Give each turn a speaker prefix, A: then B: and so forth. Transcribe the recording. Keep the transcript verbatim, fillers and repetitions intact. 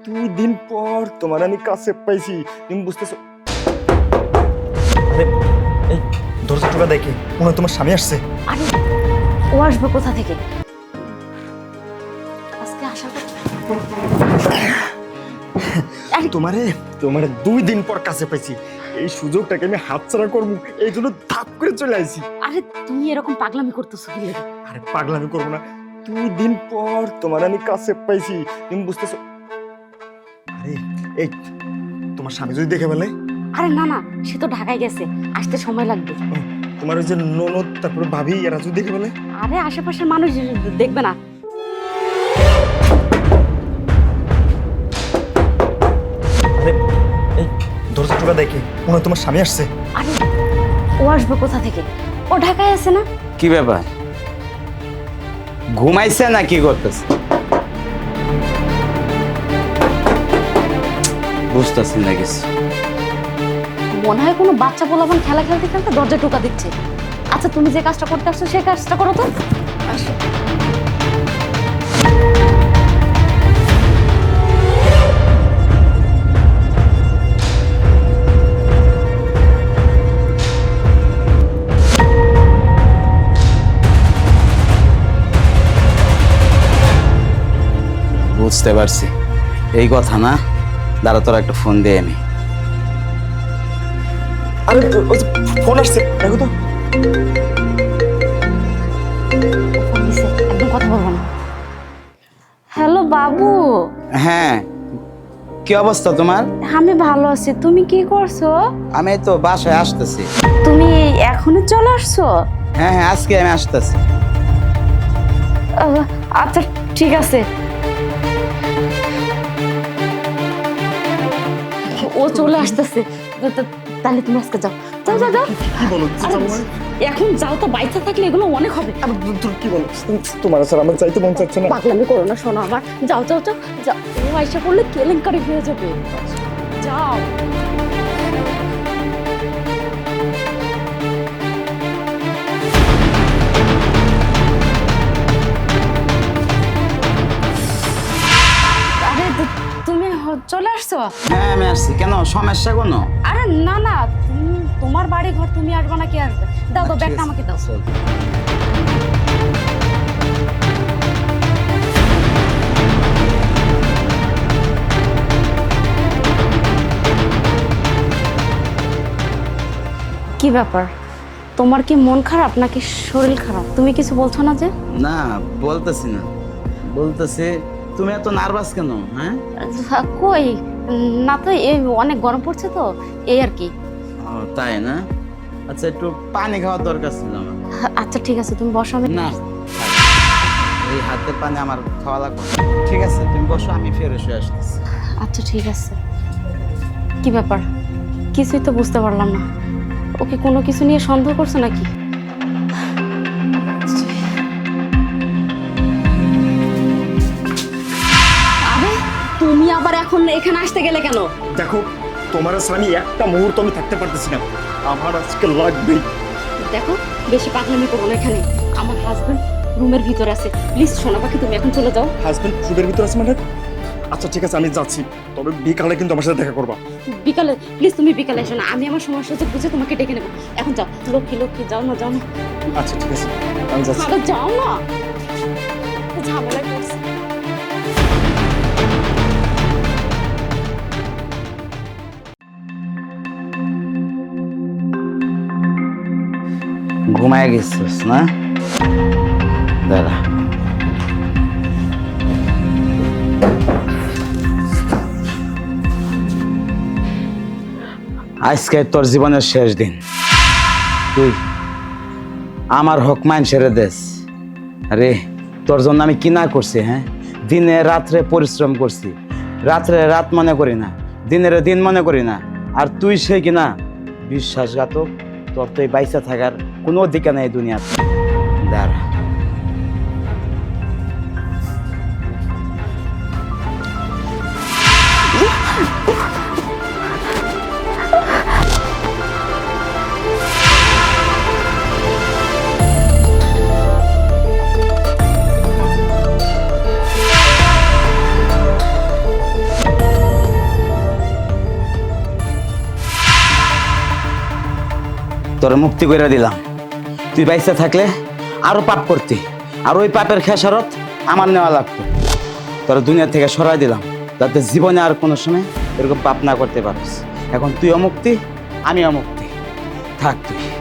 A: দুই দিন পর তোমার আমি কাছে পাইছি, তুমি বুঝতেছো? আরে এই দরজা টোকা দেখে মনে হয় তোমার স্বামী আসছে।
B: আরে ও আসবে কোথা থেকে? আজকে আশা করি
A: তোমারে তোমারে দুই দিন পর কাছে পাইছি, এই সুযোগটাকে আমি হাতছাড়া করবো এই জন্য ধাপ করে চলে আইছি।
B: আরে তুমি এরকম পাগলামি করতেছো কি লাগে?
A: আরে পাগলামি করবো না, দুই দিন পর তোমার আমি কাছে পাইছি, তুমি বুঝতেছো? আরে এই তোমার স্বামী যদি দেখে ফেলে?
B: আরে না না, সে তো ঢাকায় গেছে, আসতে সময় লাগবে।
A: তোমার ওই যে ননদ তারপরে ভাবি এরা যদি দেখে ফেলে?
B: আরে আশেপাশের মানুষ দেখবে না।
A: আরে এই দরজা টোকা দেখে মনে হয় তোমার স্বামী আসছে।
B: আরে ও আসবে কোথা থেকে? ও ঢাকায় আছে না?
C: কি ব্যাপার, ঘুমাইছে না কি করতেছে? বুঝতেছি না কিছু।
B: মনে হয় কোনো বাচ্চা পোলাপান খেলা খেলতে খেলতে দরজা টোকা দিচ্ছে। আচ্ছা তুমি যে কাজটা করতে আসছো সেই কাজটা করো তো। আসো।
C: বুঝতে পারছি, এই কথা না। দাঁড়া, তোর একটা ফোন দিয়ে আমি।
A: আরে ওই যে ফোন আসছে, দেখো তো।
B: ফোন দিছে, একদম কথা বলবো না। হ্যালো বাবু।
C: হ্যাঁ, কি অবস্থা তোমার?
B: আমি ভালো আছি, তুমি কি করছো?
C: আমি তো বাসায় আসতেছি।
B: তুমি এখনই চলে আসছো?
C: হ্যাঁ হ্যাঁ, আজকে আমি আসতেছি।
B: আহ, আচ্ছা ঠিক আছে। ও চলে আসতেছে, তাহলে তুমি আজকে যাও যাও যাও যাও।
A: কি বলো?
B: আরে, এখন যাও তো, বাইচা থাকলে এগুলো অনেক হবে।
A: তুমি কি বলো? তোমার স্যার আমার চাইতে মন চাচ্ছে না।
B: পাগলামি করো না, শোনো আমার। যাও যাও যাও যাও, ও আইসা করলে কেলেঙ্কারি হয়ে যাবে। যাও। আরে তু- তুমি হ- চলে আসছো?
C: হ্যাঁ আমি আসছি। কেন, সমস্যা কোনো?
B: আরে না না, তুমি- তোমার বাড়ি ঘর, তুমি আসবে না, কে আসবে? দাও দাও, ব্যাগটা আমাকে দাও।
C: চল।
B: কি ব্যাপার, তোমার কি মন খারাপ নাকি শরীর খারাপ? তুমি কিছু বলছো না যে?
C: না, বলতেছি না, বলতেছি তুমি এত নার্ভাস কেন? হ্যাঁ,
B: আহ, কই না তো, এই অনেক গরম পড়ছে তো, এই আর কি।
C: ও, তাই না? আচ্ছা, একটু পানি খাওয়ার দরকার ছিল আমার।
B: আচ্ছা ঠিক আছে, তুমি বসো। আমি
C: না, এই হাতের পানি আমার খাওয়া লাগবে না। ঠিক আছে, তুমি বসো, আমি ফেরত হয়ে আসতেছি।
B: আচ্ছা ঠিক আছে। কি ব্যাপার, কিছুই তো বুঝতে পারলাম না। ওকে কোনো কিছু নিয়ে সন্দেহ করছো নাকি? আরে তুমি আবার এখন এখানে আসতে গেলে কেন?
A: দেখো, তোমার স্যার আমি একটা মুহূর্ত আমি থাকতে পারতেছি না, আমার আজকে লাগবেই।
B: দেখো, বেশি পাগলামি করো না এখানে। আমার হাজবেন্ড রুমের ভিতরে আছে, প্লিজ সোনা পাখি তুমি এখন চলে যাও।
A: হাজবেন্ড ফুডের ভিতর আছে মানে? আচ্ছা ঠিক আছে, আমি যাচ্ছি, তবে বিকালে কিন্তু আমার সাথে দেখা করবা।
B: বিকালে প্লিজ, তুমি বিকালে এসো না, আমি আমার সময় সুযোগ বুঝে তোমাকে ডেকে নেবো। এখন যাও, লক্ষ্মী লক্ষ্মী, যাও না যাও না।
A: আচ্ছা ঠিক আছে, আমি যাচ্ছি।
B: আরে যাও না, ঝামেলায় পড়ছে।
C: ঘুমায় গেছিস না? দাঁড়া, আজকে তোর জীবনের শেষ দিন। তুই আমার হক মান ছেড়ে দেস। আরে তোর জন্য আমি কি না করছি? হ্যাঁ, দিনে রাত্রে পরিশ্রম করছি, রাত্রে রাত মনে করি না, দিনের দিন মনে করি না। আর তুই সে কিনা বিশ্বাসঘাতক। তোর তো এই বাইসা থাকার কোনো অধিকার নেই দুনিয়াতে। দাঁড়া, তোর মুক্তি করে দিলাম। তুই বাইসে থাকলে আরো পাপ করতি, আর ওই পাপের খেসারত আমার নেওয়া লাগতো। তোর দুনিয়া থেকে সরাই দিলাম, যাতে জীবনে আর কোনো সময় এরকম পাপ না করতে পারিস। এখন তুই অমুক্তি, আমি অমুক্তি। থাক তুই।